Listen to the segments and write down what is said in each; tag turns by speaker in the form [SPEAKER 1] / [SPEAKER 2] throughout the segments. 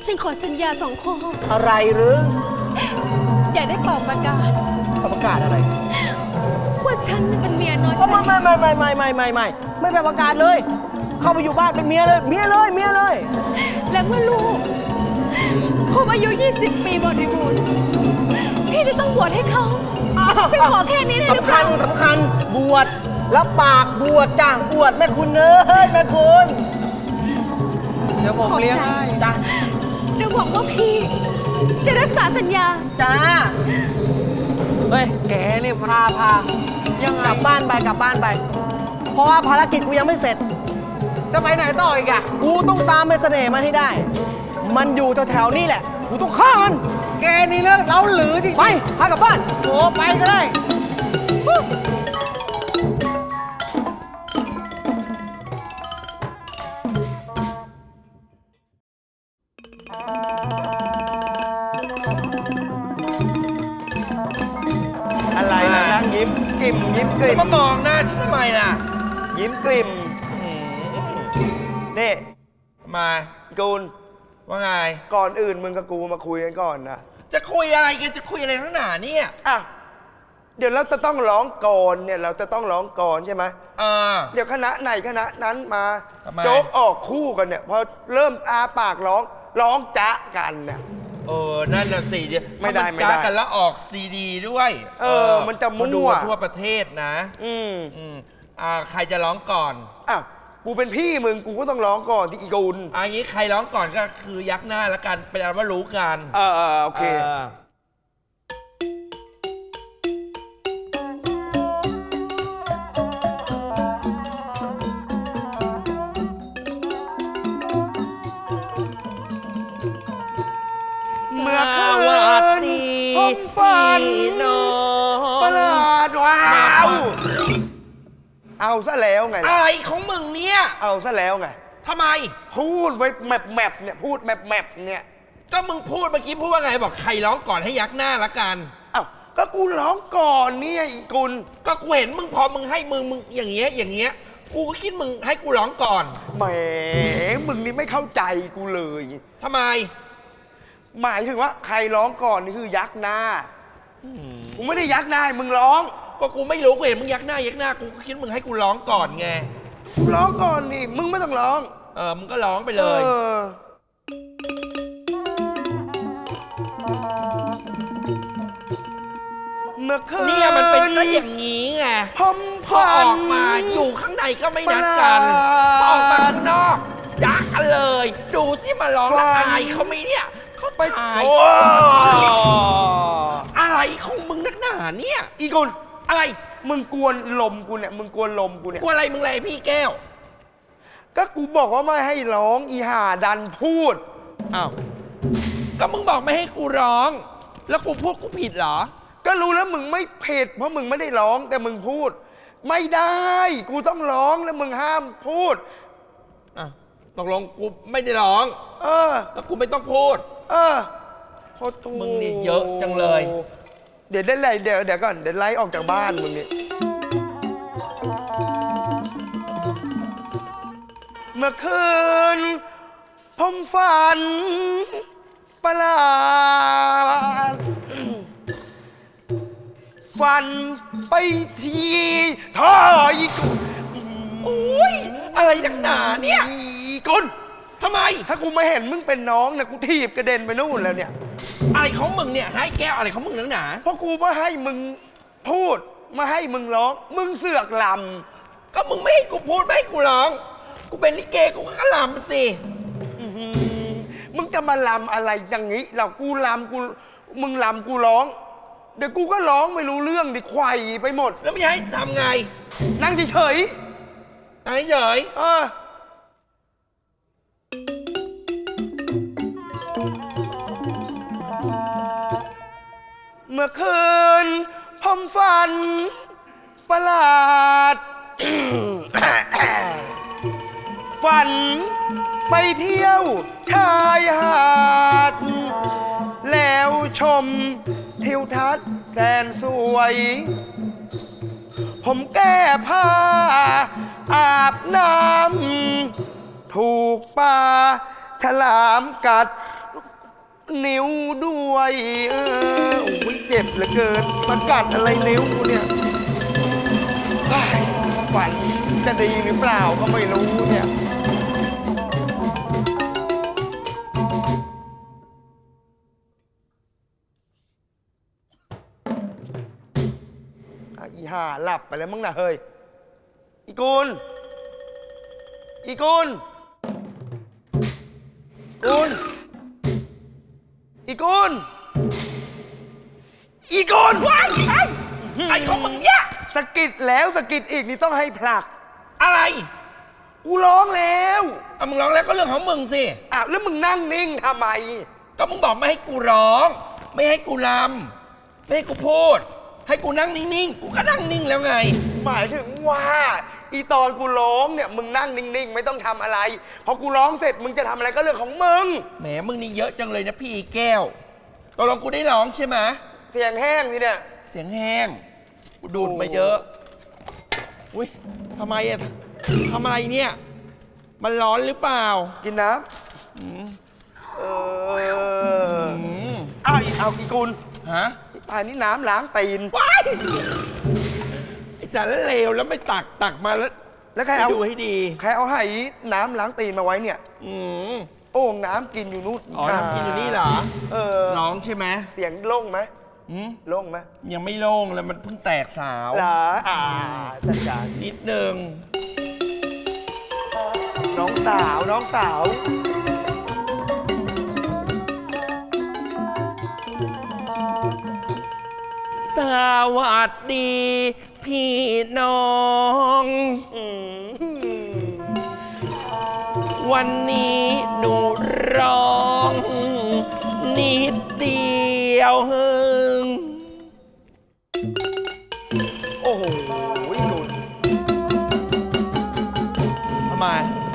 [SPEAKER 1] ฉันขอสัญญา2 ข้อ
[SPEAKER 2] อะไรหรือ
[SPEAKER 1] อย่าได้เป่าประกาศ
[SPEAKER 2] ประกาศอะไร
[SPEAKER 1] ว่าฉันเป็นเมียน้อย
[SPEAKER 2] ไม่เป็นประกาศเลยเข้าไปอยู่บ้านเป็นเมียเลย
[SPEAKER 1] และเมื่อลูกครบอายุ20 ปีบริบูรณ์พี่จะต้องบวชให้เขาฉันขอแค่นี้ได้หรือเปล่า
[SPEAKER 2] สำคัญบวชรับปากบวชจ้ะบวชแม่คุณเอ้ยแม่คุณเดี๋ยวผมเลี้ยงให้จ้ะ
[SPEAKER 1] เดี๋ยวหวังว่าพี่จะรักษาสัญญา
[SPEAKER 2] จ้าเฮ้ยแกนี่พายังกลับบ้านไปเพราะว่าภารกิจกูยังไม่เสร็จจะไปไหนต่ออีกอะกูต้องตามไปเสน่ห์มันให้ได้มันอยู่แถวๆนี่แหละกูต้องฆ่ามันแกนี่เลิกเล้าหรือจริงไปพากลับบ้านโอ้ไปก็ได้อะไรนะนั่งยิ้มกลิ่ม
[SPEAKER 3] มามองหน้าฉันทำไมล่ะ
[SPEAKER 2] ยิ้มกลิ่มนี่
[SPEAKER 3] มา
[SPEAKER 2] กูล
[SPEAKER 3] ว่าไง
[SPEAKER 2] ก่อนอื่นมึงกับกูมาคุยกันก่อนนะ
[SPEAKER 3] จะคุยอะไรกันจะคุยอะไรนักหนาเนี่ย
[SPEAKER 2] อ่ะเดี๋ยวเราจะต้องร้องก่อนเนี่ยเราจะต้องร้องก่อนใช่ไหมเดี๋ยวคณะไหนคณะนั้นมาโจ๊กออกคู่กันเนี่ยพอเริ่มอาปากร้องจ๊ะกันเนี่ย
[SPEAKER 3] นั่นน่ะสิเดี๋ยว
[SPEAKER 2] ไม่ได้
[SPEAKER 3] จ้ากันแล้วออกซีดีด้วย
[SPEAKER 2] มันจะมั่ว
[SPEAKER 3] ดูทั่วประเทศนะใครจะร้องก่อน
[SPEAKER 2] อ้าวกูเป็นพี่มึงกูก็ต้องร้องก่อนที่อีกุล
[SPEAKER 3] อันนี้ใครร้องก่อนก็คือยักหน้าแล้วกันเป็นอันว่ารู้กัน
[SPEAKER 2] โอเคเมื่อคืนผมฝันประหลาดว้าวเอาซะแล้วไง
[SPEAKER 3] อะไรของมึงเนี่ย
[SPEAKER 2] เอาซะแล้วไง
[SPEAKER 3] ทำไม
[SPEAKER 2] พูดไว้แมปเนี่ยพูดแมปเนี่ย
[SPEAKER 3] ก็มึงพูดเมื่อกี้พูดว่าไงบอกใครร้องก่อนให้ยักหน้าละกัน
[SPEAKER 2] อ้าวก็กูร้องก่อนเนี่ยอีกุล
[SPEAKER 3] ก็กูเห็นมึงพอมึงให้มึงอย่างเงี้ยกูก็คิดมึงให้กูร้องก่อน
[SPEAKER 2] แหมมึงนี่ไม่เข้าใจกูเลย
[SPEAKER 3] ทำไม
[SPEAKER 2] หมายถึงว่าใครร้องก่อนนี่คือยักหน้ากูไม่ได้ยักหน้ามึงร้อง
[SPEAKER 3] ก็กูไม่รู้กูเห็นมึงยักหน้ากูก็คิดมึงให้กูร้องก่อนไง
[SPEAKER 2] กูร้องก่อนนี่มึงไม่ต้องร้อง
[SPEAKER 3] มึงก็ร้องไปเลย
[SPEAKER 2] เมื่อคืน
[SPEAKER 3] เนี่ยมันเป็นซะอย่างนี้ไงพอออกมาอยู่ข้างในก็ไม่นัดกันพอออกมาข้างนอกจักกันเลยดูสิมาร้องแล้วอายเขาไหมเนี่ยเขาไปถ่ายอะไรของมึงนักหนาเนี่ย
[SPEAKER 2] อีกุล
[SPEAKER 3] อะไร
[SPEAKER 2] มึงกวนลมกูเนี่ยกวน
[SPEAKER 3] อะไรมึงอะไรพี่แก้ว
[SPEAKER 2] ก็กูบอกว่าไม่ให้ร้องอีห่าดันพูด
[SPEAKER 3] อ้าวก็มึงบอกไม่ให้กูร้องแล้วกูพูดกูผิดเหรอ
[SPEAKER 2] ก็รู้แล้วมึงไม่ผิดเพราะมึงไม่ได้ร้องแต่มึงพูดไม่ได้กูต้องร้องแล้วมึงห้ามพูด
[SPEAKER 3] ตกลงกูไม่ได้ร้องแล้วกูไม่ต้องพูดมึงนี่เยอะจังเลย
[SPEAKER 2] เดี๋ยวได้ไรเดี๋ยวก่อนเดี๋ยวไล่ออกจากบ้านมึงนี่เมื่อคืนผมฝันประหลาดฝันไปทีท่ออีก
[SPEAKER 3] โอ้ยอะไรนักหนาเนี่ย
[SPEAKER 2] กุล
[SPEAKER 3] ทำไม
[SPEAKER 2] ถ้ากูไม่เห็นมึงเป็นน้องเนี่ยกูถีบกระเด็นไปนู่นแล้วเนี่ย
[SPEAKER 3] อะไรของมึงเนี่ยให้แก้วอะไรของมึงนักหนา
[SPEAKER 2] เพราะกูมาให้มึงพูดมาให้มึงร้องมึงเสือกล
[SPEAKER 3] ำก็มึงไม่ให้กูพูดไม่ให้กูร้องกูเป็นลิเกกูก็ลำสิ
[SPEAKER 2] มึงจะมาลำอะไรอย่างนี้เรากูลำมึงลำกูร้องเดี๋ยวกูก็ร้องไม่รู้เรื่องดิไขว่ไปหมด
[SPEAKER 3] แล้วไม่ให้ทำไง
[SPEAKER 2] นั่งเฉย
[SPEAKER 3] นั่งเฉย
[SPEAKER 2] เมื่อคืนผมฝันประหลาด ฝันไปเที่ยวชายหาดแล้วชมทิวทัศน์แสนสวยผมแก้ผ้าอาบน้ำถูกปลาฉลามกัด
[SPEAKER 4] นิ้วด้วยโอ้ยเจ็บเหลือเกินมันกัดอะไรนิ้วกูเนี่ยเฮ้ยฝันจะดีหรือเปล่าก็ไม่รู้เนี่ยอีห่าหลับไปแล้วมั้งนะเฮ้ยอีกุลอีกุลกุลอีกุลอีกุล
[SPEAKER 3] ว้ายไอ้ของมึงเนี่ย
[SPEAKER 4] สะกิดแล้วสะกิดอีกนี่ต้องให้ผลัก
[SPEAKER 3] อะไร
[SPEAKER 4] กูร้องแล้ว
[SPEAKER 3] เอามึงร้องแล้วก็เรื่องของมึงสิ
[SPEAKER 4] อ้าวแล้วมึงนั่งนิ่งทำไม
[SPEAKER 3] ก็มึงบอกไม่ให้กูร้อง ไม่ให้กูรำไม่ให้กูพูด ให้กูนั่งนิ่งๆ กูก็นั่งนิ่งแล้วไง
[SPEAKER 4] หมายถึงว่าอีตอนกูร้องเนี่ยมึงนั่งนิ่งๆไม่ต้องทำอะไรพอกูร้องเสร็จมึงจะทำอะไรก็เรื่องของมึง
[SPEAKER 3] แหมมึงนี่เยอะจังเลยนะพี่แก้วตกลงกูได้ร้องใช่ไหม
[SPEAKER 4] เสียงแห้งสิเนี่ย
[SPEAKER 3] เสียงแห้ง กูดูดมาเยอะ อุ้ยทำไมอะทำอะไรเนี่ย มันร้อนหรือเปล่า
[SPEAKER 4] กินน้ำเอาอีกุล
[SPEAKER 3] ฮะ
[SPEAKER 4] อันนี้น้ำล้างตีน
[SPEAKER 3] ว้ายไอ้สารเลวแล้วไม่ตักมาแล้ว
[SPEAKER 4] แล้วใครเอา
[SPEAKER 3] ไปดูให้ดี
[SPEAKER 4] ใครเอาไหน้ำล้างตีนมาไว้เนี่ย
[SPEAKER 3] อืม
[SPEAKER 4] โอ่งน้ำกินอยู่นู่น
[SPEAKER 3] อ๋อทำกินอยู่นี่เหรอ ร้องใช่ไหม
[SPEAKER 4] เสียงโล่งไหม
[SPEAKER 3] อืม
[SPEAKER 4] โล่งไหม
[SPEAKER 3] ยังไม่โล่งเลยมันเพิ่งแตกสาว
[SPEAKER 4] เหรอจัดการ
[SPEAKER 3] นิดนึง
[SPEAKER 4] น้องสาวน้องสาว
[SPEAKER 3] สวัสดีพี่น้อง วันนี้หนูร้องนิดเดียวฮึง
[SPEAKER 4] โอ้โหกุล
[SPEAKER 3] ทำไม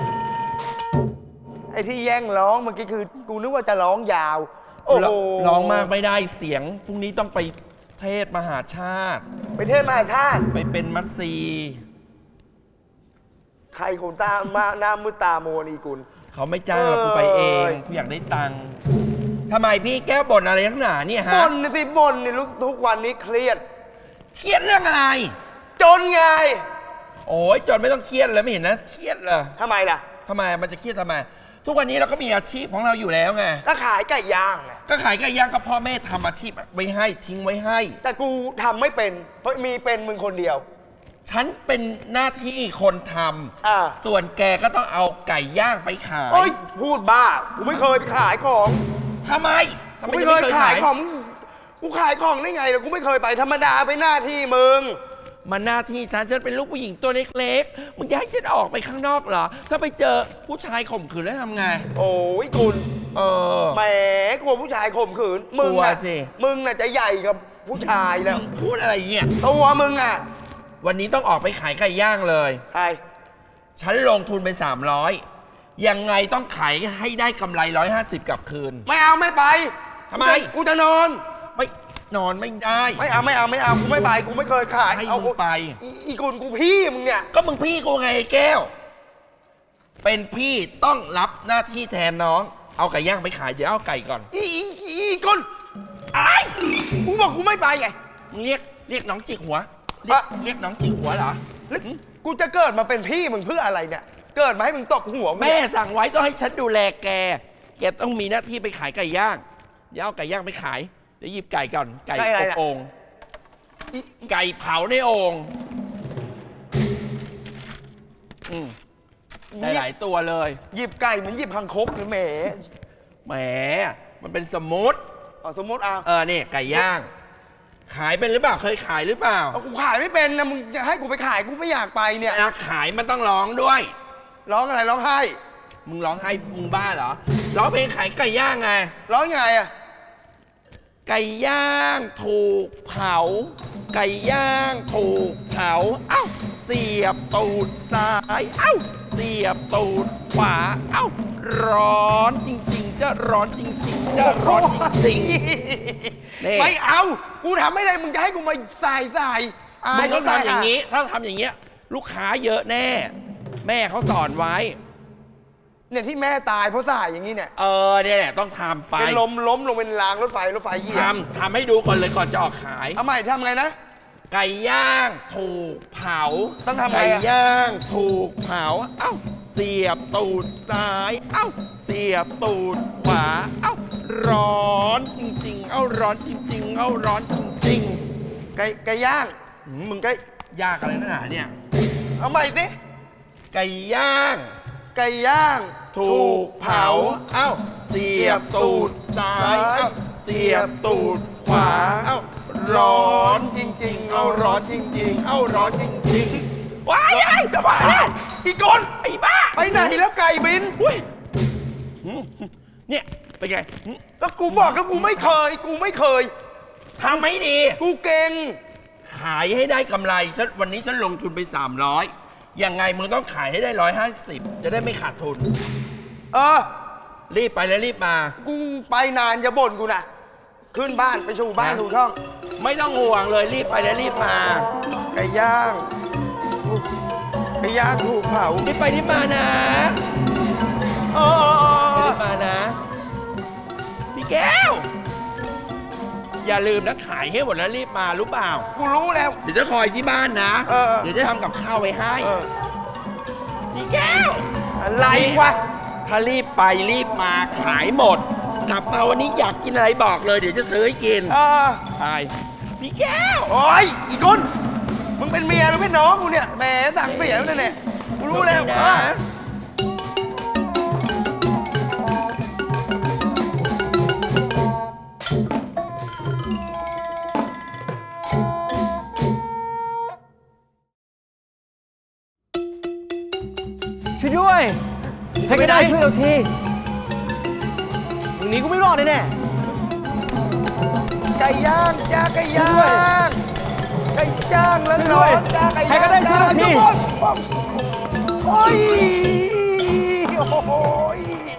[SPEAKER 4] ไอ้ที่แย่งร้องเมื่อกี้คือกูนึกว่าจะร้องยาว โอ้โห
[SPEAKER 3] ร้องมากไม่ได้เสียงพรุ่งนี้ต้องไปเทศมหาชาติ
[SPEAKER 4] ไปเทศมหาชาติ
[SPEAKER 3] ไปเป็นมัตซี
[SPEAKER 4] ใครคนตามาหน้ามืดตาโมนอีกุล
[SPEAKER 3] เขาไม่จ้างเรากูไปเองกูอยากได้ตังค์ทำไมพี่แก้วบ่นอะไรนักหนาเนี่ยฮะ
[SPEAKER 4] บ่นสิบ่นนี่ทุกวันนี้เครียด
[SPEAKER 3] เครียดเรื่องอะไร
[SPEAKER 4] จนไง
[SPEAKER 3] โอ้ยจนไม่ต้องเครียดเลยไม่เห็นนะเครียดเลย
[SPEAKER 4] ทำไมล่ะ
[SPEAKER 3] ทำไมมันจะเครียดทำไม ทุกวันนี้เราก็มีอาชีพของเราอยู่แล้วไง
[SPEAKER 4] ก็ขายไก่ย่างไง
[SPEAKER 3] ก็ขายไก่ย่างก็พ่อแม่ทำอาชีพไว้ให้ทิ้งไว้ให้
[SPEAKER 4] แต่กูทำไม่เป็น เพราะมีเป็นมึงคนเดียว
[SPEAKER 3] ฉันเป็นหน้าที่คนท
[SPEAKER 4] อ่า
[SPEAKER 3] ำส่วนแกก็ต้องเอาไก่ย่างไปขาย
[SPEAKER 4] โอ้ยพูดบ้า กูไม่เคยไปขายของ
[SPEAKER 3] ทำไม
[SPEAKER 4] กู
[SPEAKER 3] จะ
[SPEAKER 4] ไม่เคยขายของ กูขายของได้ไงล่ะกูไม่เคยไปธรรมดาไปหน้าที่มึง
[SPEAKER 3] มันหน้าที่ฉันเป็นลูกผู้หญิงตัวเล็กๆมึงจะให้ฉันออกไปข้างนอกเหรอ ถ้าไปเจอผู้ชายข่มขืนแล้วทำไง
[SPEAKER 4] โอ้ยกุล
[SPEAKER 3] แ
[SPEAKER 4] แหมกลัวผู้ชายข่มขืน มึง
[SPEAKER 3] กลัว
[SPEAKER 4] น่ะ
[SPEAKER 3] สิ
[SPEAKER 4] มึงน่ะจะใหญ่กับผู้ชายแล้ว
[SPEAKER 3] มึงพูดอะไรเนี่ย
[SPEAKER 4] ตัวมึงอ่ะ
[SPEAKER 3] วันนี้ต้องออกไปขายไก่ย่างเลย
[SPEAKER 4] ใช่
[SPEAKER 3] ฉันลงทุนไป300ยังไงต้องขายให้ได้กำไร150กลับคืน
[SPEAKER 4] ไม่เอาไม่ไป
[SPEAKER 3] ทำไม
[SPEAKER 4] กูจะนอน
[SPEAKER 3] ไม่นอนไม่ได้
[SPEAKER 4] ไม่เอากูไม่ไปกูไม่เคยขาย
[SPEAKER 3] ให้
[SPEAKER 4] เอา
[SPEAKER 3] มึงไป
[SPEAKER 4] อีกุลกูพี่มึงเนี่ย
[SPEAKER 3] ก็มึงพี่กูไงไอ้แก้ว เป็นพี่ต้องรับหน้าที่แทนน้อง เอาไก่ย่างไปขายเดี๋ยวเอาไก่ก่อน
[SPEAKER 4] อีกุล
[SPEAKER 3] อะไร
[SPEAKER 4] กูบอกกูไม่ไปไง
[SPEAKER 3] มึงเรียกน้องจิกหัว
[SPEAKER 4] อะ
[SPEAKER 3] เรียกน้องจิกหัวเหรอ
[SPEAKER 4] แล้วกูจะเกิดมาเป็นพี่มึงเพื่ออะไรเนี่ย เกิดมาให้มึงตบหัวกู
[SPEAKER 3] แม่
[SPEAKER 4] เนี่ย
[SPEAKER 3] สั่งไว้ต้องให้ฉันดูแลแก แกต้องมีหน้าที่ไปขายไก่ย่าง เดี๋ยวเอาไก่ย่างไปขาย เดี๋ยวหยิบไก่ก่อน ไก่อบโอ่ง
[SPEAKER 4] อี
[SPEAKER 3] ไก่เผาในโอ่งได้หลายตัวเลย
[SPEAKER 4] หยิบไก่เหมือนหยิบคังคกหรือแหม
[SPEAKER 3] แหม มันเป็นสมมติ
[SPEAKER 4] สมมติเอา
[SPEAKER 3] นี่ไก่ย่าง ขายเป็นหรือเปล่า เคยขายหรือเปล่า
[SPEAKER 4] เอากูขายไม่เป็นนะมึงจะให้กูไปขายกูไม่อยากไปเนี่ย
[SPEAKER 3] เวลาขายมันต้องร้องด้วย
[SPEAKER 4] ร้องอะไรร้องไห้
[SPEAKER 3] มึงร้องให้มึงบ้าเหรอ ร้องเพลงขายไก่ย่างไง
[SPEAKER 4] ร้องยังไงอะ
[SPEAKER 3] ไก่ย่างถูกเผา ไก่ย่างถูกเผา เอ้า เสียบตูดซ้าย เอ้า เสียบตูดขวา เอ้า ร้อนจริงๆ จะร้อนจริงๆ จะร้อนจริงๆ นี่
[SPEAKER 4] ไม่เอากูทำไม่ได้มึงจะให้กูมาใส่
[SPEAKER 3] มึงต้องทำอย่างนี้ ถ้าทำอย่างเงี้ย ลูกค้าเยอะแน่ แม่เขาสอนไว้
[SPEAKER 4] เนี่ยที่แม่ตายเพราะสายอย่างนี้เนี่ย
[SPEAKER 3] เนี่ยแหละต้องทำไป
[SPEAKER 4] เป็นล้มลงเป็นรางรถไฟเหยียบ
[SPEAKER 3] ทำให้ดูก่อนเลยก่อนจะออกขาย
[SPEAKER 4] เอาใหม่ทำไงนะ
[SPEAKER 3] ไก่ย่างถูกเผา
[SPEAKER 4] ต้องทำไงอะ
[SPEAKER 3] ไก่ย่างถูกเผา เอ้า เสียบตูดซ้าย เอ้า เสียบตูดขวา เอ้า ร้อนจริงๆ เอ้าร้อนจริงๆ เอ้าร้อนจริง
[SPEAKER 4] ไก่ย่าง
[SPEAKER 3] ๆมึงก็ยากอะไรนักหนาเนี่ย
[SPEAKER 4] เอาใหม่สิ
[SPEAKER 3] ไก่ย่าง
[SPEAKER 4] ไก่ย่าง
[SPEAKER 3] ถูกเผา เอ้า เสียบตูดซ้าย เอ้า เสียบตูดขวา เอ้า ร้อนจริงๆ เอ้าร้อนจริงๆ เอ้าร้อนจริงๆ ว้ายไอ้ทำไม
[SPEAKER 4] อีกคน
[SPEAKER 3] ไอ้บ้า
[SPEAKER 4] ไปไหนแล้วไก่บิน
[SPEAKER 3] อุ้ยเนี่ยเป็นไง
[SPEAKER 4] แล้วกูบอกแล้วกูไม่เคย
[SPEAKER 3] ทำไม่ดี
[SPEAKER 4] กูเก่ง
[SPEAKER 3] ขายให้ได้กำไรฉันวันนี้ฉันลงทุนไป300ยังไงมึงต้องขายให้ได้150จะได้ไม่ขาดทุน
[SPEAKER 4] เออ
[SPEAKER 3] รีบไปแล้วรีบมา
[SPEAKER 4] กูไปนานอย่าบ่นกูนะขึ้นบ้านไปสู่บ้านสู่ช่อง
[SPEAKER 3] ไม่ต้องห่วงเลยรีบไปแล้วรีบมา
[SPEAKER 4] ไก่ย่างไก่ย่างถูกเผา
[SPEAKER 3] รีบไปรีบมานะ
[SPEAKER 4] เออ
[SPEAKER 3] รีบมานะพี่แก้ว อย่าลืมนะขายให้หมดแล้วรีบมารู้เปล่า
[SPEAKER 4] กูรู้แล้ว
[SPEAKER 3] เดี๋ยวจะคอยที่บ้านนะ
[SPEAKER 4] เออ
[SPEAKER 3] เดี๋ยวจะทำกับข้าวไว้ให้
[SPEAKER 4] เออ
[SPEAKER 3] พี่แก้ว
[SPEAKER 4] อะไรวะ
[SPEAKER 3] ถ้ารีบไปรีบมาขายหมด กลับมาวันนี้อยากกินอะไรบอกเลยเดี๋ยวจะซื้อให้กิน
[SPEAKER 4] เออ
[SPEAKER 3] ไปพี่แก้ว
[SPEAKER 4] โอ้ยอีกคนมึงเป็นเมียหรือเป็นน้องกูเนี่ยแหมสั่งเสียแล้วเนี่ยกูรู้แล้ว
[SPEAKER 3] นะ
[SPEAKER 4] เออ
[SPEAKER 2] ช่วยด้วยใครก็ได้ช่วยเราทีมึงหนีกูไม่รอดแน่
[SPEAKER 4] ไก่ย่างจ้าไก่ย่างไก่ย่างแล้วร้อนจ้าไก่ย่าง
[SPEAKER 2] ใครก็ได้ช่วยเราที
[SPEAKER 4] โอ้ยโอ้ย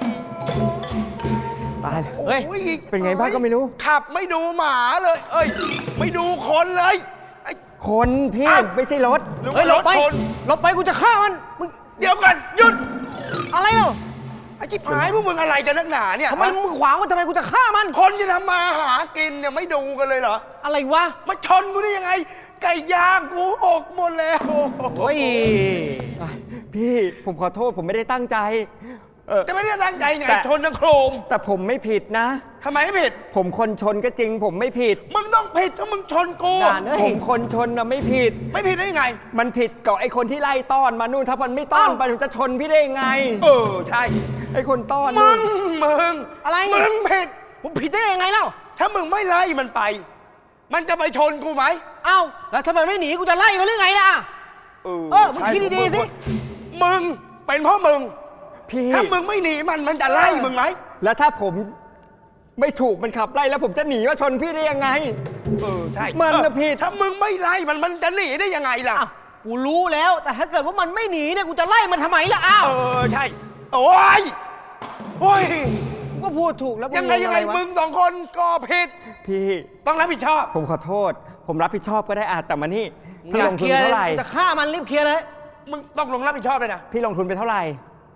[SPEAKER 2] ตายเลยเฮ้ย
[SPEAKER 4] โอ้ย
[SPEAKER 2] เป็นไงบ้างก็ไม่รู้
[SPEAKER 4] ขับไม่ดูหมาเลย เอ้ย ไม่ดูคนเลยไอ้
[SPEAKER 2] คนพี่
[SPEAKER 4] อ้าว
[SPEAKER 2] ไม่ใช่รถ
[SPEAKER 4] หรือว่า
[SPEAKER 2] เฮ้ยหลบไป
[SPEAKER 4] รถชน
[SPEAKER 2] หลบไปกูจะฆ่ามันมึง
[SPEAKER 4] เดี๋ยวก่อนหยุด
[SPEAKER 2] อะไรเนาะ
[SPEAKER 4] ไอ้จิ๊บหายพวกมึงอะไรกันนักหนาเนี่ย
[SPEAKER 2] ทำไมมึงขวางมันทำไมกูจะฆ่ามัน
[SPEAKER 4] คนจะทำมาหากินเนี่ยไม่ดูกันเลยเหรอ
[SPEAKER 2] อะไรวะ
[SPEAKER 4] มาชนกูได้ยังไง ไก่ย่างกูหกหมดแล้ว
[SPEAKER 2] โอ้ยพี่ผมขอโทษผมไม่ได้ตั้งใจ
[SPEAKER 4] จะไม่ได้ตั้งใจไง
[SPEAKER 2] แต่
[SPEAKER 4] ชนทั้งโครม
[SPEAKER 2] แต่ผมไม่ผิดนะ
[SPEAKER 4] ทำไมไม่ผิด
[SPEAKER 2] ผมคนชนก็จริง ผมไม่ผิด
[SPEAKER 4] มึงต้องผิดถ้ามึงชนกู
[SPEAKER 2] ผมคนชนนะไม่ผิด
[SPEAKER 4] ไม่ผิดได้ยังไง
[SPEAKER 2] มันผิดกับไอ้คนที่ไล่ต้อนมานู่นถ้ามันไม่ต้อน
[SPEAKER 4] อ้าว
[SPEAKER 2] ไปมันจะชนพี่ได้ยังไง
[SPEAKER 4] เออใช่
[SPEAKER 2] ไอ้คนต้อน
[SPEAKER 4] มึ
[SPEAKER 2] นู่
[SPEAKER 4] ง
[SPEAKER 2] น อะไร
[SPEAKER 4] มึงผิด
[SPEAKER 2] ผมผิดได้ยังไงเล่า
[SPEAKER 4] ถ้ามึงไม่ไล่มันไป มันจะไปชนกูไหม
[SPEAKER 2] เอ้าแล้วทำไมไม่หนีกูจะไล่มันหรือไงล่ะ มึงคิดดีๆสิ
[SPEAKER 4] มึงเป็นเพราะมึง
[SPEAKER 2] พี่
[SPEAKER 4] ถ้ามึงไม่หนีมันจะไล่มึงไหม
[SPEAKER 2] แล้วถ้าผมไม่ถูกมันขับไล่แล้วผมจะหนีมาชนพี่ได้ยังไง
[SPEAKER 4] ใช่
[SPEAKER 2] มันน่ะผิด
[SPEAKER 4] ถ้ามึงไม่ไล่มันจะหนีได้ยังไงล่ะ
[SPEAKER 2] อ้าวกูรู้แล้วแต่ถ้าเกิดว่ามันไม่หนีเนี่ยกูจะไล่มันทำไมล่ะอ้าว
[SPEAKER 4] ใช่ โอ้ยโอ้ย
[SPEAKER 2] กูก็พูดถูกแล้ว
[SPEAKER 4] ยังไงมึงสองคนก็ผิด
[SPEAKER 2] พี่
[SPEAKER 4] ต้องรับผิดชอบ
[SPEAKER 2] ผมขอโทษ ผมรับผิดชอบก็ได้แต่มานี่พี่
[SPEAKER 5] อ
[SPEAKER 2] ล
[SPEAKER 5] ยาก
[SPEAKER 2] ง
[SPEAKER 5] เค
[SPEAKER 2] ทุน
[SPEAKER 5] ลียร์
[SPEAKER 2] เท่าไหร่
[SPEAKER 5] จะฆ่ามันรีบเคลียร์เลย
[SPEAKER 4] มึงต้องลงรับผิดชอบเลยนะ
[SPEAKER 2] พี่ลงทุนไปเท่าไหร่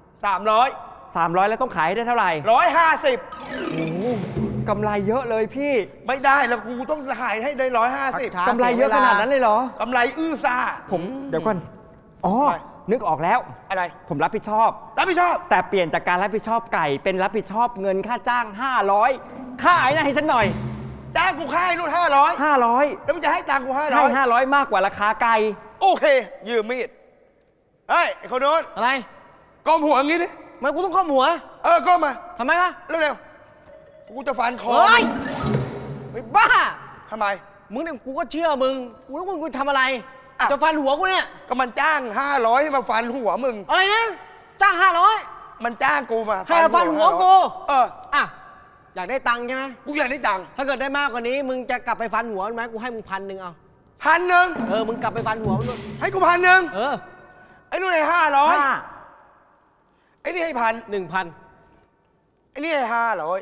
[SPEAKER 4] 300
[SPEAKER 2] แล้วต้องขายให้ได้เท่าไหร่
[SPEAKER 4] 150
[SPEAKER 2] โอ้โหกำไรเยอะเลยพี่
[SPEAKER 4] ไม่ได้แล้วกูต้องขายให้ได้150
[SPEAKER 5] ช้า
[SPEAKER 2] กำไรเยอะขนาดนั้นเลยเหรอ
[SPEAKER 4] กำไรอื้อซ่า
[SPEAKER 2] ผมเดี๋ยวก่อนอ๋อ
[SPEAKER 4] อะไร
[SPEAKER 2] นึกออกแล้ว
[SPEAKER 4] อะไร
[SPEAKER 2] ผมรับผิดชอบ
[SPEAKER 4] รับผิดชอบ
[SPEAKER 2] แต่เปลี่ยนจากการรับผิดชอบไก่เป็นรับผิดชอบเงินค่าจ้าง 500ค่าไอ้นั่นให้ฉันหน่อย
[SPEAKER 4] จ้างกูค่ายนู่น500
[SPEAKER 2] 500
[SPEAKER 4] แล้วมึงจะให้ตังค์กู
[SPEAKER 2] ให้
[SPEAKER 4] 500
[SPEAKER 2] 500 มากกว่าราคาไก่
[SPEAKER 4] โอเค ยืมมีด เฮ้ย ไอ้คนโน้น
[SPEAKER 5] อะไร
[SPEAKER 4] ก้มหัวอย่างงี้ดิ
[SPEAKER 5] ทำไมกูต้องก้มหัว
[SPEAKER 4] ก้มมา
[SPEAKER 5] ทำไมวะ
[SPEAKER 4] เร็วๆ กูจะฟันคอ
[SPEAKER 5] เฮ้ยไอ้บ้า
[SPEAKER 4] ทำไม
[SPEAKER 5] มึงเนี่ยกูก็เชื่อมึง กูรู้มึงทำอะไร
[SPEAKER 4] อ่ะ
[SPEAKER 5] จะฟันหัวกูเนี่ย
[SPEAKER 4] ก็มันจ้าง 500 ให้มาฟันหัวมึง
[SPEAKER 5] อะไรนะ จ้าง500
[SPEAKER 4] มันจ้างกูมา
[SPEAKER 5] ให้มาฟันหัวกู
[SPEAKER 4] 500
[SPEAKER 5] อ่ะ อยากได้ตังค์ใช่ไหม
[SPEAKER 4] กูอยากได้ตังค์
[SPEAKER 5] ถ้าเกิดได้มากกว่านี้ มึงจะกลับไปฟันหัวมันไหมกูให้มึง1,000เอา
[SPEAKER 4] 1,000
[SPEAKER 5] มึงกลับไปฟันหัวมันด้วย
[SPEAKER 4] ให้กู1,000 ไอ้นู่นให้500 ไอ้นี่ให้1,000
[SPEAKER 5] 1,000
[SPEAKER 4] ไอ้นี่ให้500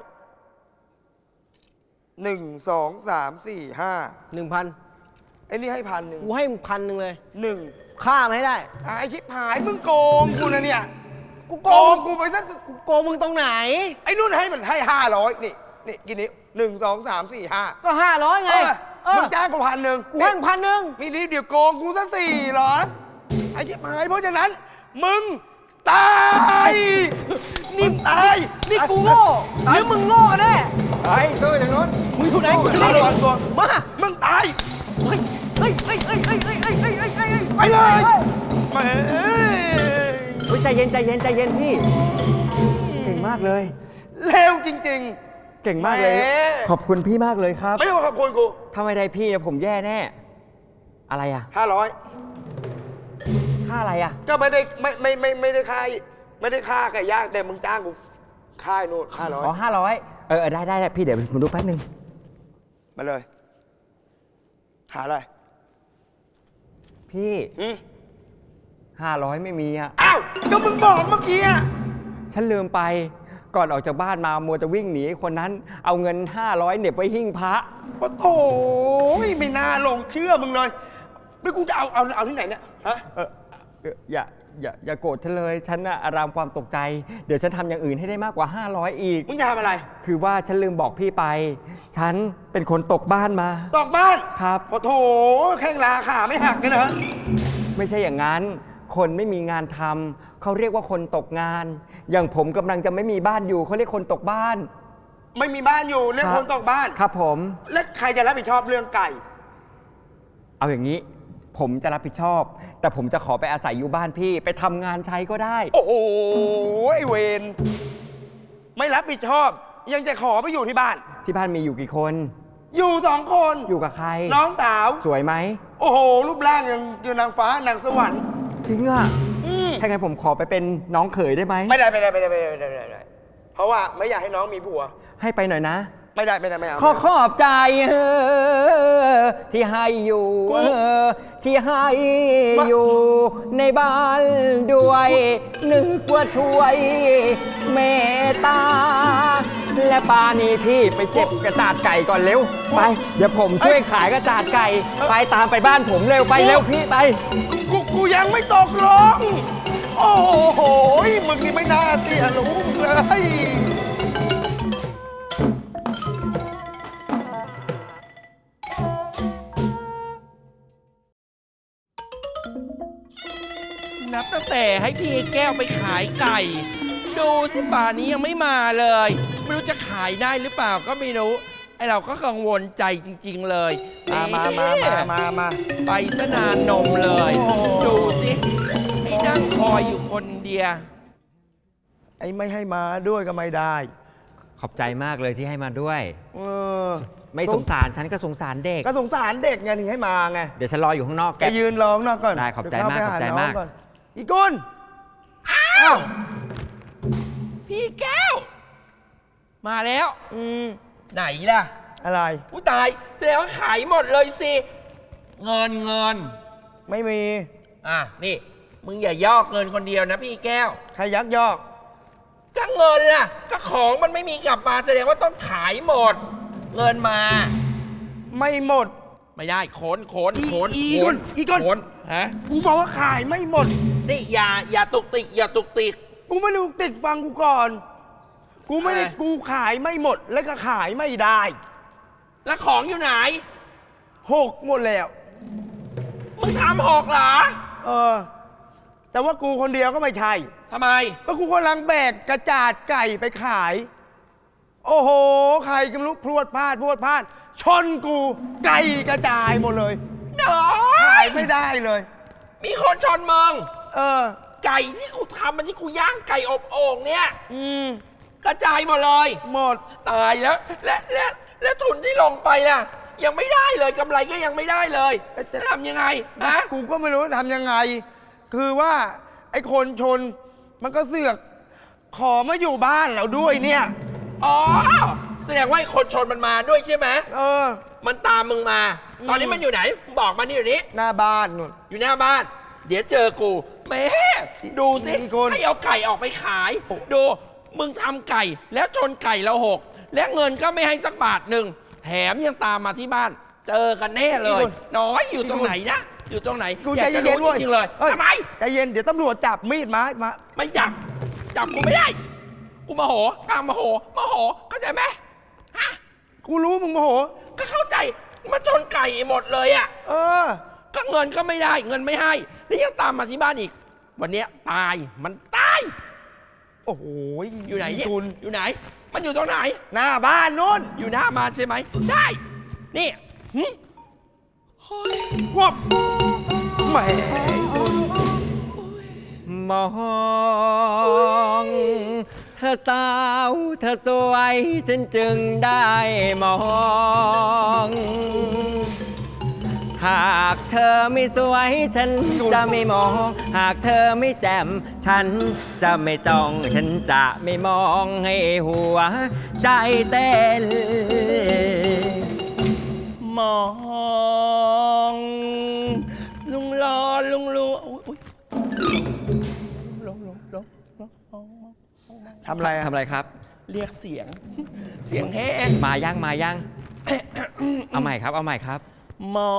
[SPEAKER 4] 1 2 3 4 5
[SPEAKER 5] 1,000
[SPEAKER 4] ไอ้นี่ให้1,000
[SPEAKER 5] กูให้มึง1,000เลย
[SPEAKER 4] 1
[SPEAKER 5] ฆ่ามันให้ได้
[SPEAKER 4] ไอ้ชิบหายมึงโกงกูนะเนี่ย
[SPEAKER 5] กูโก
[SPEAKER 4] โก
[SPEAKER 5] ง
[SPEAKER 4] งกูไปซะ
[SPEAKER 5] กูโกงมึงตรงไหน
[SPEAKER 4] ไอ้นุ่นให้มันให้500นี่กี่นิ้ว1 2 3 4 5
[SPEAKER 5] ก็500ไง
[SPEAKER 4] มึงจ้างกู1,000
[SPEAKER 5] กูให้มึง1,000
[SPEAKER 4] มีนิดเดียวโกงกูซะ400ไอ้เจ็บหายเพราะฉะนั้น มึงตายนี่ตาย
[SPEAKER 5] นี่กูโง่หรือมึงโง่กันแน่
[SPEAKER 4] ไอ้ตัวอย่างนู้น
[SPEAKER 5] มึงอยู่ไหนกูจะ
[SPEAKER 4] มา
[SPEAKER 5] ได้
[SPEAKER 4] ก่อนตัว
[SPEAKER 5] มา
[SPEAKER 4] มึงตาย
[SPEAKER 5] เฮ้ยเฮ้ยเฮ้ยเฮ้ยเฮ้ยเฮ้ยเฮ้ยเฮ้ยเฮ้ยเฮ้ย
[SPEAKER 4] ไปเลยแหม
[SPEAKER 2] เฮ้ยใจเย็นใจเย็นใจเย็นพี่ เก่งมากเลย
[SPEAKER 4] เลวจริง
[SPEAKER 2] เก่งมากเลย
[SPEAKER 4] แหม
[SPEAKER 2] ขอบคุณพี่มากเลยครับ
[SPEAKER 4] ๆ ไม่ต้องขอบคุณกู
[SPEAKER 2] ถ้าไม่ได้พี่เนี่ยผมแย่แน่ อะไรอ่ะ
[SPEAKER 4] 500
[SPEAKER 2] ค่าอะไรอ่ะ
[SPEAKER 4] ก็ไม่ได้ค่าไก่ย่างแต่มึงจ้างกูค่ายนู่น
[SPEAKER 2] อ๋อ500ได้พี่เดี๋ยวผมดูแป๊บนึง
[SPEAKER 4] 500มาเลย หาอะไร
[SPEAKER 2] พี่
[SPEAKER 4] อืม
[SPEAKER 2] 500ไม่มีอ่ะ
[SPEAKER 4] อ้าวก็มึงบอกเมื่อกี้อะ
[SPEAKER 2] ฉันลืมไปก่อนออกจากบ้านมามัวจะวิ่งหนีคนนั้น เอาเงิน500เหน็บไว้หิ้งพระ
[SPEAKER 4] โอ้โถไม่น่าลงเชื่อมึงเลยไม่กูจะเอาที่ไหนเนี่ยฮะ
[SPEAKER 2] อย่าโกรธฉันเลย ฉันน่ะอารามความตกใจ เดี๋ยวฉันทำอย่างอื่นให้ได้มากกว่า500อีก
[SPEAKER 4] มึงจะทำอะไร
[SPEAKER 2] คือว่าฉันลืมบอกพี่ไป ฉันเป็นคนตกบ้านมา
[SPEAKER 4] ตอกบ้าน
[SPEAKER 2] ครับ
[SPEAKER 4] โอ้โถแข้งลาขาไม่หักกันนะ
[SPEAKER 2] ไม่ใช่อย่างนั้น คนไม่มีงานทำเขาเรียกว่าคนตกงาน อย่างผมกำลังจะไม่มีบ้านอยู่เขาเรียกคนตกบ้าน
[SPEAKER 4] ไม่มีบ้านอยู่เรียกคนตอกบ้าน
[SPEAKER 2] ครับผม
[SPEAKER 4] แล้วใครจะรับผิดชอบเรื่องไก่
[SPEAKER 2] เอาอย่างนี้ ผมจะรับผิดชอบ แต่ผมจะขอไปอาศัยอยู่บ้านพี่ไปทำงานใช้ก็ได้
[SPEAKER 4] โอ้โหไอเวนไม่รับผิดชอบ ยังจะขอไปอยู่ที่บ้าน
[SPEAKER 2] ที่บ้านมีอยู่กี่คน
[SPEAKER 4] อยู่2 คน
[SPEAKER 2] อยู่กับใคร
[SPEAKER 4] น้องสาว
[SPEAKER 2] สวยไหม
[SPEAKER 4] โอ้โห รูปร่างยังนางฟ้านางสวรรค์
[SPEAKER 2] จริงอ่ะ
[SPEAKER 4] อืม
[SPEAKER 2] ถ้างั้นผมขอไปเป็นน้องเขยได้ไหม
[SPEAKER 4] ไม่ได้เพราะว่าไม่อยากให้น้องมีผัว
[SPEAKER 2] ให้ไปหน่อยนะ
[SPEAKER 4] ไม่เอา
[SPEAKER 2] ขอบใจที่ให้อยู่ที่ให้อยู่ในบ้านด้วย นึกว่าช่วยเมตตา และปานี่พี่ไปเจ็บกระจาดไก่ก่อนเร็ว ไป เดี๋ยวผมช่วยขายกระจาดไก่ ไปตามไปบ้านผมเร็วไปเร็วพี่ไป
[SPEAKER 4] กูยังไม่ตกลง โอ้โหมึงนี่ไม่น่าเสียรู้เลย
[SPEAKER 3] นับตั้งแต่ให้พี่แก้วไปขายไก่ ดูสิป่านนี้ยังไม่มาเลย ไม่รู้จะขายได้หรือเปล่าก็ไม่รู้ไอเราก็กังวลใจจริง ๆ เลย
[SPEAKER 4] มา
[SPEAKER 3] ไปซะนานนมเลย
[SPEAKER 4] โอ้
[SPEAKER 3] ดูสิให้นั่งคอยอยู่คนเดียว
[SPEAKER 4] ไอ้ไม่ให้มาด้วยก็ไม่ได้
[SPEAKER 2] ขอบใจมากเลยที่ให้มาด้วย
[SPEAKER 4] เออ
[SPEAKER 2] ไม่สงสารฉันก็สงสารเด็ก
[SPEAKER 4] ก็สงสารเด็กไงถึงให้มาไง
[SPEAKER 2] เดี๋ยวฉันรออยู่ข้างนอก
[SPEAKER 4] แกยืนร้องนอกก่อน
[SPEAKER 2] ได้ขอบใจมาก
[SPEAKER 4] เดี๋ยวเข้ไปห
[SPEAKER 2] ขอบใจมาก
[SPEAKER 4] น้งอนอีกุล
[SPEAKER 3] อ้าว พี่แก้ว มาแล้ว ไหนล่ะ
[SPEAKER 4] อะไร
[SPEAKER 3] ผู้ตายแสดงว่าขายหมดเลยสิ เงิน
[SPEAKER 4] ไม่มี
[SPEAKER 3] อ่ะนี่ มึงอย่ายอกเงินคนเดียวนะพี่แก้ว
[SPEAKER 4] ใครยักยอก
[SPEAKER 3] ก็เงินล่ะ ก็ของมันไม่มีกลับมาแสดงว่าต้องขายหมด เงินมา
[SPEAKER 4] ไม่หมด
[SPEAKER 3] ไม่ได้โขน
[SPEAKER 4] อีกคน
[SPEAKER 3] โขนฮะ
[SPEAKER 4] กูบอกว่าขายไม่หมด
[SPEAKER 3] นี่อย่าตุกติก
[SPEAKER 4] กูไม่รู้ติดฟังกูก่อน กูไม่ได้
[SPEAKER 3] อะไร
[SPEAKER 4] กูขายไม่หมด แล้วก็ขายไม่ได้
[SPEAKER 3] แล้วของอยู่ไหน
[SPEAKER 4] 6 หมดแล้ว
[SPEAKER 3] มึงทำหกเหรอ
[SPEAKER 4] เออ แต่ว่ากูคนเดียวก็ไม่ใช่
[SPEAKER 3] ทำไม
[SPEAKER 4] ก็กูกำลังแบกกระจาดไก่ไปขาย โอ้โห ใครก็ไม่รู้พรวดพลาด ชนกูไก่กระจายหมดเลย
[SPEAKER 3] หน่อ
[SPEAKER 4] ขาย ยไม่ได้เลย
[SPEAKER 3] มีคนชนมึง
[SPEAKER 4] เออ
[SPEAKER 3] ไก่ที่กูทำมันที่กูย่างไก่อบโอ่งเนี่ย
[SPEAKER 4] อืม
[SPEAKER 3] กระจายหมดเลย
[SPEAKER 4] หมด
[SPEAKER 3] ตายแล้ว และทุนที่ลงไปล่ะ ยังไม่ได้เลยกำไรก็ยังไม่ได้เลย
[SPEAKER 4] เอ๊ะแต่
[SPEAKER 3] จะทำยังไงฮะ
[SPEAKER 4] กูก็ไม่รู้ทำยังไง คือว่า ไอ้คนชน มันก็เสือก ขอมาอยู่บ้านเราด้วยเนี่ย
[SPEAKER 3] อ๋อ แสดงว่าไอ้คนชนมันมาด้วยใช่ไหม
[SPEAKER 4] เออ
[SPEAKER 3] มันตามมึงมา ตอนนี้มันอยู่ไหนมึงบอกมานี่อยู่นี้
[SPEAKER 4] หน้าบ้านนู่น
[SPEAKER 3] อยู่หน้าบ้าน เดี๋ยวเจอกูแม่ดูสิ
[SPEAKER 4] อีกคน
[SPEAKER 3] ให้เอาไก่ออกไปขาย ดูมึงทำไก่แล้วชนไก่เราหก และเงินก็ไม่ให้สักบาทหนึ่งแถมยังตามมาที่บ้าน เจอกันแน่เลย น้อยอยู่ตรงไหนนะอยู่ตรงไหน
[SPEAKER 4] กู
[SPEAKER 3] อ
[SPEAKER 4] ใจ
[SPEAKER 3] ยากจะ
[SPEAKER 4] เย็นๆ
[SPEAKER 3] รู้
[SPEAKER 4] เว้ย
[SPEAKER 3] จริงๆเลย
[SPEAKER 4] อ้
[SPEAKER 3] ทำไม
[SPEAKER 4] ใจเย็น เดี๋ยวตำรวจจับมีดมา
[SPEAKER 3] ไม่จับจับกูไม่ได้ กูโมโหกลางโมโหเข้าใจไหมฮะ
[SPEAKER 4] กูรู้มึงโมโห
[SPEAKER 3] ก็เข้าใจมาชนไก่หมดเลยอ่ะ
[SPEAKER 4] เออ
[SPEAKER 3] ก็เงินก็ไม่ได้เงินไม่ให้แล้วยังตามมาที่บ้านอีก วันเนี้ยตายมันตาย
[SPEAKER 4] โอ้โห
[SPEAKER 3] อยู่ไหนเนี่ย
[SPEAKER 4] คุณ
[SPEAKER 3] อยู่ไหน มันอยู่ตรงไหน
[SPEAKER 4] หน้าบ้านนู้น
[SPEAKER 3] อยู่หน้าบ้านใช่ไหมได้ นี่หึ
[SPEAKER 4] วับแหม
[SPEAKER 2] มองเธอสาวเธอสวยฉันจึงได้มอง หากเธอไม่สวยฉันจะไม่มอง หากเธอไม่แจ่มฉันจะไม่จ้อง ฉันจะไม่มองให้หัวใจเต้น
[SPEAKER 3] มองลุงรอลุงรู้อุ๊ยลง
[SPEAKER 4] ทำอะไรอะ
[SPEAKER 2] ทำอะไรครับ
[SPEAKER 3] เรียกเสียง เสียงแห้ง
[SPEAKER 2] มายัง เอาใหม่ครับ เอาใหม่ครับ
[SPEAKER 3] มอง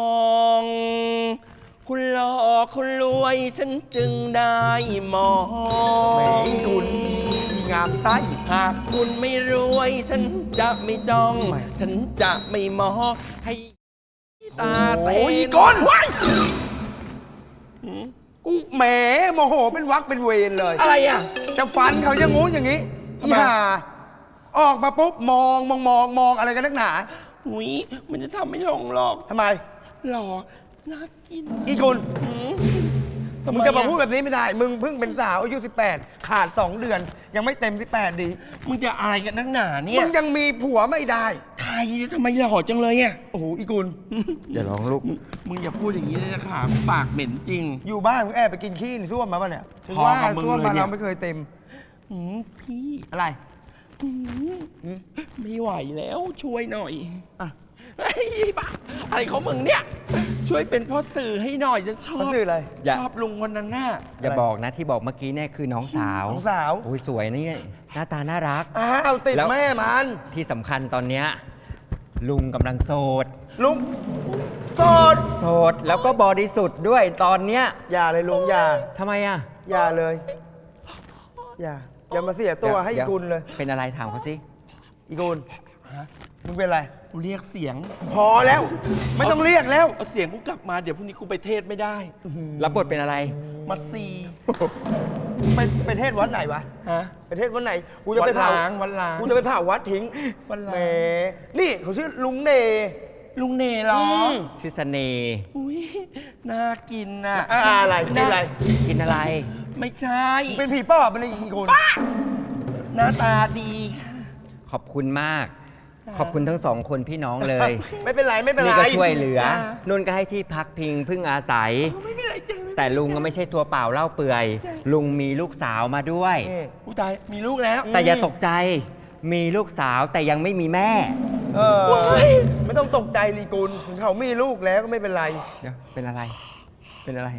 [SPEAKER 3] คุณหล่อคุณรวยฉันจึงได้มอ
[SPEAKER 4] แหม
[SPEAKER 3] ง
[SPEAKER 4] คุณงามไส้
[SPEAKER 3] หากคุณไม่รวยฉันจะไม่จ้อง ฉันจะไม่มองให้ตาเต้
[SPEAKER 4] โอ้ย
[SPEAKER 3] น
[SPEAKER 4] ก้น
[SPEAKER 3] ว้ายหืม
[SPEAKER 4] กูแหมโมโหเป็นวักเป็นเวรเลย
[SPEAKER 3] อะไรอ่ะ
[SPEAKER 4] จะฟันเขาอย่างงู้นอย่างนี้
[SPEAKER 3] ทำ
[SPEAKER 4] อี
[SPEAKER 3] ไม
[SPEAKER 4] ห่าออกมาปุ๊บมองอะไรกันนักหนา
[SPEAKER 3] อุ้ยมันจะทำไม่ลงหรอก
[SPEAKER 4] ทำไม
[SPEAKER 3] หล่อน่ากิน
[SPEAKER 4] อีคุณ
[SPEAKER 3] หืมทำ
[SPEAKER 4] มึ
[SPEAKER 3] ไม
[SPEAKER 4] งจะมาพูด
[SPEAKER 3] อะ
[SPEAKER 4] แบบนี้ไม่ได้ มึงเพิ่งเป็นสาวอายุ18 ขาด 2 เดือน ยังไม่เต็ม 18 ดี
[SPEAKER 3] มึงจะอะไรกันนักหนาเนี่
[SPEAKER 4] มึ
[SPEAKER 3] ย
[SPEAKER 4] งยังมีผัวไม่ได้
[SPEAKER 3] ใครเนี่ยทำไมหล่อจังเลยอ่ะ
[SPEAKER 4] โอ้โหอีกุล
[SPEAKER 2] อย่าร้องลูก
[SPEAKER 3] มึงอย่าพูดอย่างนี้เลยนะคะปากเหม็นจริง
[SPEAKER 4] อยู่บ้านมึงแอบไปกินขี้ในส้วมมาป่ะเนี่ยถึง
[SPEAKER 3] พอ
[SPEAKER 4] ว่า
[SPEAKER 3] กับมึง
[SPEAKER 4] ส้วม
[SPEAKER 3] เลย
[SPEAKER 4] มาน
[SPEAKER 3] เนี่ย
[SPEAKER 4] เราไม่เคยเต็ม
[SPEAKER 3] หืมพี่
[SPEAKER 4] อะไร
[SPEAKER 3] หืมไม่ไหวแล้วช่วยหน่อย
[SPEAKER 4] อ่ะ
[SPEAKER 3] ไอ้บ้าอะไรของมึงเนี่ย ช่วยเป็นพ่อสื่อให้หน่อยฉันชอ
[SPEAKER 4] มัน
[SPEAKER 3] บ
[SPEAKER 4] คืออะไร
[SPEAKER 2] อย่า
[SPEAKER 3] ชอบลุงคนนั้นน่ะ
[SPEAKER 2] อย่าบอกนะที่บอกเมื่อกี้เนี่ยคือน้องสาว
[SPEAKER 4] น้องสาว
[SPEAKER 2] โอ้ยสวยนี่หน้าตาน่ารัก
[SPEAKER 4] อ้าวติด
[SPEAKER 2] แล้ว
[SPEAKER 4] แม่มัน
[SPEAKER 2] ที่สำคัญตอนเนี้ยลุงกำลังโสด
[SPEAKER 4] ลุงโสด
[SPEAKER 2] โสดแล้วก็บริสุทธิ์ด้วยตอนเนี้ย
[SPEAKER 4] อย่าเลยลุงอย่า
[SPEAKER 2] ทำไมอ่ะ
[SPEAKER 4] อย่าเลย อย่ามาเสียตัวให้อี
[SPEAKER 2] ดี๋ว
[SPEAKER 4] กุลเลย
[SPEAKER 2] เป็นอะไรถามเขาสิ
[SPEAKER 4] อีกุลมึงเป็นอะไร
[SPEAKER 3] กูเรียกเสียง
[SPEAKER 4] พอแล้ว ไม่ต้องเรียกแล้ว
[SPEAKER 3] เอาเสียงกูกลับมาเดี๋ยวพรุ่งนี้กูไปเทศไม่ได้
[SPEAKER 2] รับบทเป็นอะไร
[SPEAKER 3] มัดซี
[SPEAKER 4] ไปเทศวัดไหนวะ
[SPEAKER 3] ฮะ
[SPEAKER 4] ไปเทศวัดไหน กูจะไปเผา
[SPEAKER 3] วัดล้าง
[SPEAKER 4] กูจะไปเผาวัดทิ้ง
[SPEAKER 3] วัดล้าง
[SPEAKER 4] แหมนี่เขาชื่อลุงเน
[SPEAKER 3] ลุงเนเหรอ
[SPEAKER 4] ม
[SPEAKER 2] ชื่อเสน่ห์
[SPEAKER 3] อุ้ยน่ากินน่ะ
[SPEAKER 4] อะไรนี่อะไร
[SPEAKER 2] กินอะไร
[SPEAKER 3] ไม่ใช่
[SPEAKER 4] เป็นผีปอบเป็นอีกุล
[SPEAKER 3] หน้าตาดี
[SPEAKER 2] ขอบคุณมาก ขอบคุณทั้งสองคนพี่น้องเลย
[SPEAKER 4] ไม่เป็นไรไม่เป็นไร
[SPEAKER 2] นี่ก็ช่วยเหลือ
[SPEAKER 3] อ่า
[SPEAKER 2] นุ่นก็ให้ที่พักพิงพึ่งอาศัย
[SPEAKER 3] ไม่มีอะไรจ้ะ
[SPEAKER 2] แต่ลุงก็ไม่ใช่ตัวเปล่าเล่าเปื่อย ลุงมีลูกสาวมาด้วย
[SPEAKER 4] นี่
[SPEAKER 3] อุยตายมีลูกแล้ว
[SPEAKER 2] แต่อย่าตกใจ มีลูกสาวแต่ยังไม่มีแม่
[SPEAKER 4] เออไม่ต้องตกใจลีกุลถึงเขามีลูกแล้วก็ไม่เป็นไร
[SPEAKER 2] เดี๋ยวเป็นอะไร เป็นอะไร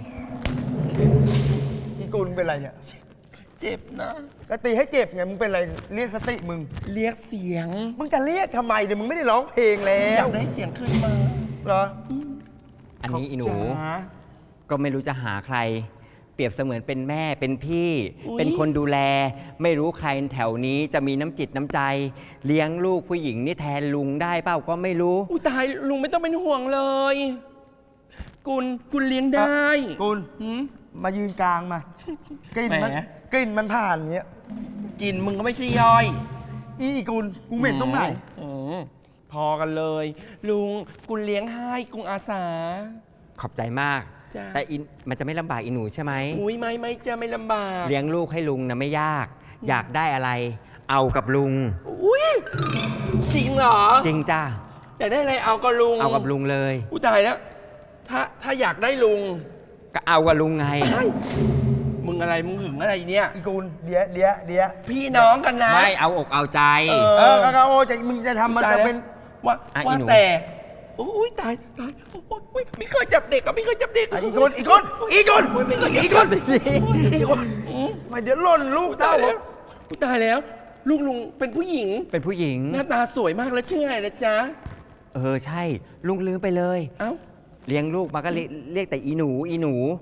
[SPEAKER 4] อีกุลเป็นไรเนี่ย
[SPEAKER 3] เจ็บนะ
[SPEAKER 4] ก็ตีให้เจ็บไงมึงเป็นไรเรียกสติมึง
[SPEAKER 3] เรียกเสียง
[SPEAKER 4] มึงจะเรียกทำไมเดี๋ยวมึงไม่ได้ร้องเพลงแล้
[SPEAKER 3] อยาว กได้เสียงขึ้นมา
[SPEAKER 4] เหรอ
[SPEAKER 2] อันนี้อีหนู
[SPEAKER 3] จ๋า
[SPEAKER 2] ก็ไม่รู้จะหาใคร เปรียบเสมือนเป็นแม่เป็นพี่
[SPEAKER 3] อุ๊ย
[SPEAKER 2] เป็นคนดูแล ไม่รู้ใครแถวนี้จะมีน้ำจิตน้ำใจ เลี้ยงลูกผู้หญิงนี่แทนลุงได้เปล่าก็ไม่รู้
[SPEAKER 3] อุยตายลุงไม่ต้องเป็นห่วงเลย กุลเลี้ยงได้
[SPEAKER 4] กุล
[SPEAKER 3] หืม
[SPEAKER 4] มายืนกลางมา กลิ่นมัน
[SPEAKER 3] แหม
[SPEAKER 4] กลิ่นมันผ่านอย่างเงี้ย
[SPEAKER 3] กินมึงก็ไม่ใช่ย่อย
[SPEAKER 4] อีกุลกูเหม็นตรงไหน
[SPEAKER 3] อืมพอกันเลย ลุงกุลเลี้ยงให้กุงอาสา
[SPEAKER 2] ขอบใจมาก
[SPEAKER 3] จ้ะ
[SPEAKER 2] แต่อินมันจะไม่ลำบากอีหนูใช่ไหม
[SPEAKER 3] อุ้ยไม่จะไม่ลำบาก
[SPEAKER 2] เลี้ยงลูกให้ลุงนะไม่ยาก อยากได้อะไร เอากับลุง
[SPEAKER 3] อุ้ยจริงเหรอ
[SPEAKER 2] จริงจ้า
[SPEAKER 3] อยากได้อะไรเอากับลุง
[SPEAKER 2] เอากับลุงเลย
[SPEAKER 3] อุ้ยตายแล้ว ถ้าอยากได้ลุง
[SPEAKER 2] ก็เอากับลุงไง
[SPEAKER 3] เฮ้ยมึงอะไรมึงหึงอะไรเนี่ย
[SPEAKER 4] อีกุลเดี๋ยว
[SPEAKER 3] พี่น้องกันนะ
[SPEAKER 2] ไม่เอาอกเอาใจ
[SPEAKER 3] เอ
[SPEAKER 4] กาโอจะมึงจะทำมัน
[SPEAKER 3] ตาย
[SPEAKER 4] จะ
[SPEAKER 3] แล้ว
[SPEAKER 4] เป็น
[SPEAKER 3] ว่า
[SPEAKER 2] อ่ะ
[SPEAKER 3] ว่า
[SPEAKER 2] อีหนู
[SPEAKER 3] แต่อุ้ยตายโอ้ยไม่เคยจับเด็กก็ไม่เคยจับเด็ก
[SPEAKER 4] อีกุลอีกุลอีกุล
[SPEAKER 3] โอ้ยไม่เคยจับ
[SPEAKER 4] อีกุล
[SPEAKER 3] อีกุลอืม
[SPEAKER 4] มาเดี๋ยวหล่นลูก
[SPEAKER 3] ตา
[SPEAKER 4] เต้าย
[SPEAKER 3] แล้วอุ๊ยตายแล้ว ลูกลุงเป็นผู้หญิง
[SPEAKER 2] เป็นผู้หญิง
[SPEAKER 3] หน้าตาสวยมากแล้วชื่ออะไรนะจ๊ะ
[SPEAKER 2] ใช่ ลุงลืมไปเลย
[SPEAKER 3] เอ้า
[SPEAKER 2] เลี้ยงลูกมาก็เรียกแต่อีหนูอีหนู